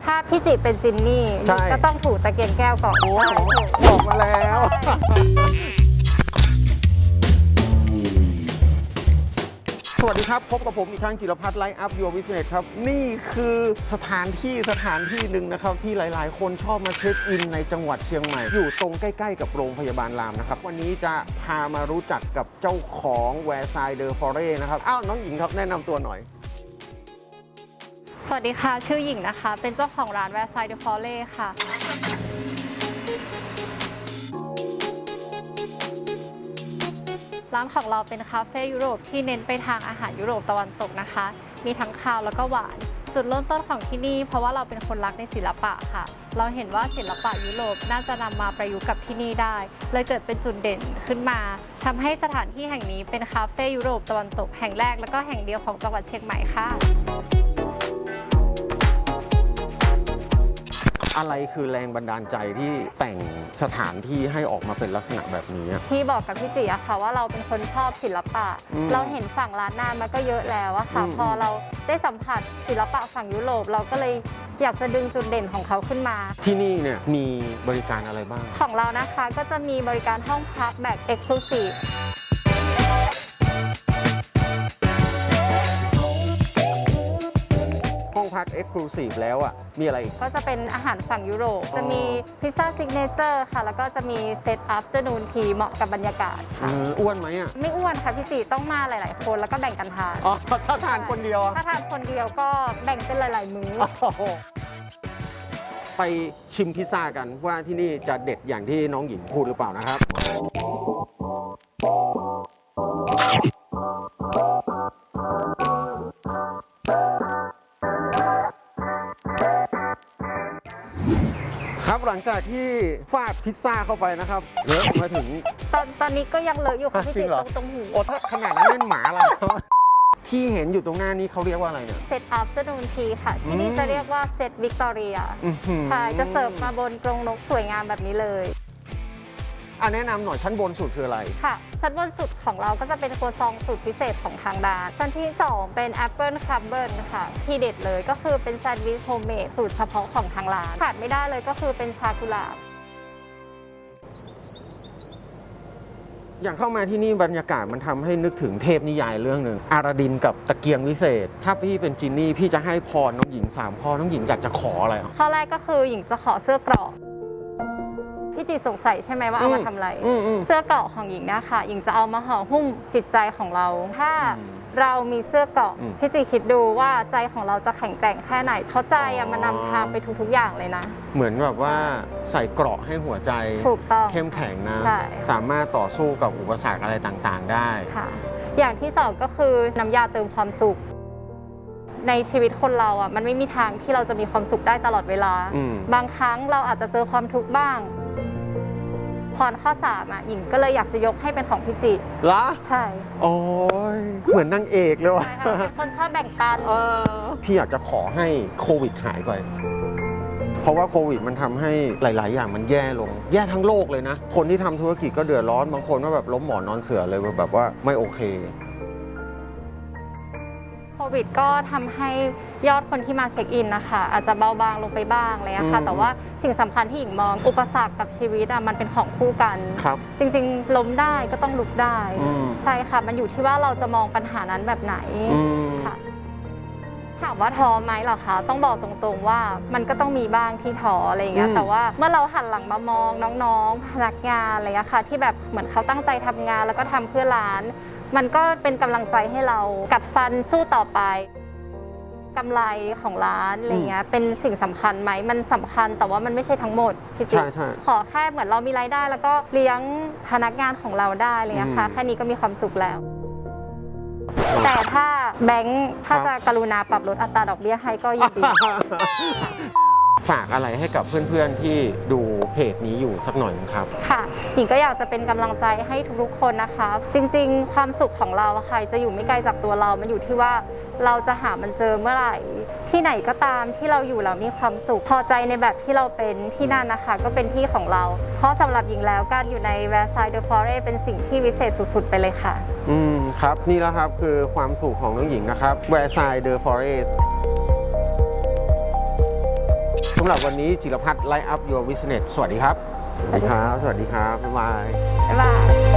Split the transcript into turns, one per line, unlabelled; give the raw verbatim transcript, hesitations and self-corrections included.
ถ้าพี่จิเป็นจินนี่ก็ต้องถูตะเกียงแก้วก่อน
โอ้บอกมาแล้วสวัสดีครับพบกับผมอีกครั้งจิรพัฒน์ไลฟ์อัพ Your Business ครับนี่คือสถานที่สถานที่หนึ่งนะครับที่หลายๆคนชอบมาเช็คอินในจังหวัดเชียงใหม่อยู่ตรงใกล้ๆกับโรงพยาบาลรามนะครับวันนี้จะพามารู้จักกับเจ้าของแวร์ไซด์เดอฟอเร่นะครับอ้าวน้องหญิงครับแนะนำตัวหน่อย
สวัสดีค่ะชื่อหญิงนะคะเป็นเจ้าของร้านแวร์ไซด์เดอฟอเร่ค่ะร้านของเราเป็นคาเฟ่ยุโรปที่เน้นไปทางอาหารยุโรปตะวันตกนะคะมีทั้งคาวแล้วก็หวานจุดเริ่มต้นของที่นี่เพราะว่าเราเป็นคนรักในศิลปะค่ะเราเห็นว่าศิลปะยุโรปน่าจะนำมาประยุกต์กับที่นี่ได้เลยเกิดเป็นจุดเด่นขึ้นมาทำให้สถานที่แห่งนี้เป็นคาเฟ่ยุโรปตะวันตกแห่งแรกและก็แห่งเดียวของจังหวัดเชียงใหม่ค่ะ
อะไรคือแรงบันดาลใจที่แต่งสถานที่ให้ออกมาเป็นลักษณะแบบนี้
พี่บอกกับพี่จิอะค่ะว่าเราเป็นคนชอบศิลปะเราเห็นฝั่งล้านนามาก็เยอะแล้วอะค่ะพอเราได้สัมผัสศิลปะฝั่งยุโรปเราก็เลยอยากจะดึงจุดเด่นของเขาขึ้นมา
ที่นี่เนี่ยมีบริการอะไรบ้าง
ของเรานะคะก็จะมีบริการห้องพักแบบ Exclusive
ห้องพัก Exclusive แล้วอ่ะมีอะไรอีก
ก็จะเป็นอาหารฝั่งยุโรปจะมีพิซซ่าซิกเนเจอร์ค่ะแล้วก็จะมีเซตอัพเจนูนทีเหมาะกับบรรยากาศค่ะ
อ้วนไหมอ่ะ
ไม่อ้วนค่ะพี่จีต้องมาหลายๆคนแล้วก็แบ่งกันทาน
อ๋อถ้าทานคนเดียว
ถ้าทานคนเดียวก็แบ่งเป็นหลายๆมื้อ
ไปชิมพิซซ่ากันว่าที่นี่จะเด็ดอย่างที่น้องหญิงพูดหรือเปล่านะครับครับหลังจากที่ฟาดพิซซ่าเข้าไปนะครับเลอะมาถึง
ตอนตอนนี้ก็ยังเลอะอยู่ค่ะพี่จิตรงตรงหู
โอ้ถ้าขนาดนั้นเล่นหมาอะไรที่เห็นอยู่ตรงหน้านี้เขาเรียกว่าอะไรเนี่ย
เซตอัพเจนูนทีค่ะที่นี่จะเรียกว่าเซตวิกตอเรียใช่จะเสิร์ฟมาบนกรงนกสวยงามแบบนี้เลย
อ่ะแนะนำหน่อยชั้นบนสุดคืออะไร
ค่ะชั้นบนสุดของเราก็จะเป็นครัวซองสูตรพิเศษของทางร้านชั้นที่สองเป็นแอปเปิลครัมเบิลค่ะที่เด็ดเลยก็คือเป็นแซนด์วิชโฮมเมดสูตรเฉพาะของทางร้านขาดไม่ได้เลยก็คือเป็นชากุหลาบ
อย่างเข้ามาที่นี่บรรยากาศมันทำให้นึกถึงเทพนิยายเรื่องหนึ่งอาราดินกับตะเกียงวิเศษถ้าพี่เป็นจินนี่พี่จะให้พรน้องหญิงสามข้อน้องหญิงอยากจะขออะไร
ข้อแรกก็คือหญิงจะขอเสื้อเกราะพี่จีสงสัยใช่ไหมว่าเอามาทำอะไรเสื้อเกราะของหญิงเนี่ยค่ะหญิงจะเอามาห่อหุ้มจิตใจของเราถ้าเรามีเสื้อเกราะพี่จีคิดดูว่าใจของเราจะแข็งแกร่งแค่ไหนเพราะใจมันนำทางไปทุกๆอย่างเลยนะ
เหมือนแบบว่าใส่เกราะให้หัวใจ
ถูกต้อง
เข้มแข็งนะสามารถต่อสู้กับอุปสรรคอะไรต่างๆได้
ค่ะอย่างที่สองก็คือน้ำยาเติมความสุขในชีวิตคนเราอ่ะมันไม่มีทางที่เราจะมีความสุขได้ตลอดเวลาบางครั้งเราอาจจะเจอความทุกข์บ้างพรข้อสามอ่ะหญิงก็เลยอยากจะยกให้เป็นของพี่จิ
ละ
ใช่
โอ้ยเหมือนนางเอกเลยว่ะ
เป็นคนชอบแบ่งปัน
พี่อยากจะขอให้โควิดหายไปเพราะว่าโควิดมันทำให้หลายๆอย่างมันแย่ลงแย่ทั้งโลกเลยนะคนที่ทำธุรกิจก็เดือดร้อนบางคนก็แบบล้มหมอนนอนเสือเลยแบบว่าไม่โอเค
โควิดก็ทำให้ยอดคนที่มาเช็คอินนะคะอาจจะเบาบางลงไปบ้างเลยนะคะแต่ว่าสิ่งสำคัญที่หญิงมองอุปสรรคกับชีวิตอ่ะมันเป็นของคู่กันจริงๆล้มได้ก็ต้องลุกได้ใช่ค่ะมันอยู่ที่ว่าเราจะมองปัญหานั้นแบบไหนค่ะถามว่าท้อไหมเหรอคะต้องบอกตรงๆว่ามันก็ต้องมีบ้างที่ท้ออะไรอย่างเงี้ยแต่ว่าเมื่อเราหันหลังมามองน้องๆพนักงานอะไรอย่างเงี้ยค่ะที่แบบเหมือนเขาตั้งใจทำงานแล้วก็ทำเพื่อร้านมันก็เป็นกำลังใจให้เรากัดฟันสู้ต่อไปกำไรของร้านอะไรเงี้ยเป็นสิ่งสำคัญไหมมันสำคัญแต่ว่ามันไม่ใช่ทั้งหมดพี่จิ๊กขอแค่เหมือนเรามีรายได้แล้วก็เลี้ยงพนักงานของเราได้อะไรเงี้ยค่ะแค่นี้ก็มีความสุขแล้วแต่ถ้าแบงค์ถ้าจะกรุณาปรับลดอัตราดอกเบี้ยให้ก็ยินดี
ฝากอะไรให้กับเพื่อนๆที่ดูเพจนี้อยู่สักหน่อยครับ
ค่ะหญิงก็อยากจะเป็นกำลังใจให้ทุกๆคนนะคะจริงๆความสุขของเราค่ะจะอยู่ไม่ไกลจากตัวเรามันอยู่ที่ว่าเราจะหามันเจอเมื่อไหร่ที่ไหนก็ตามที่เราอยู่แล้วมีความสุขพอใจในแบบที่เราเป็นที่นั่นนะคะก็เป็นที่ของเราเพราะสำหรับหญิงแล้วการอยู่ในแวร์ไซด์เดอฟอเร่เป็นสิ่งที่วิเศษสุดๆไปเลยค่ะ
อืมครับนี่แล้วครับคือความสุขของน้องหญิงนะครับแวร์ไซด์เดอฟอเร่สำหรับวันนี้จิรพัฒน์ไลฟ์อัพ Your Business สวัสดีครับ สวัสดีครับ สวัสดีครับ บ๊ายบาย
บ๊ายบาย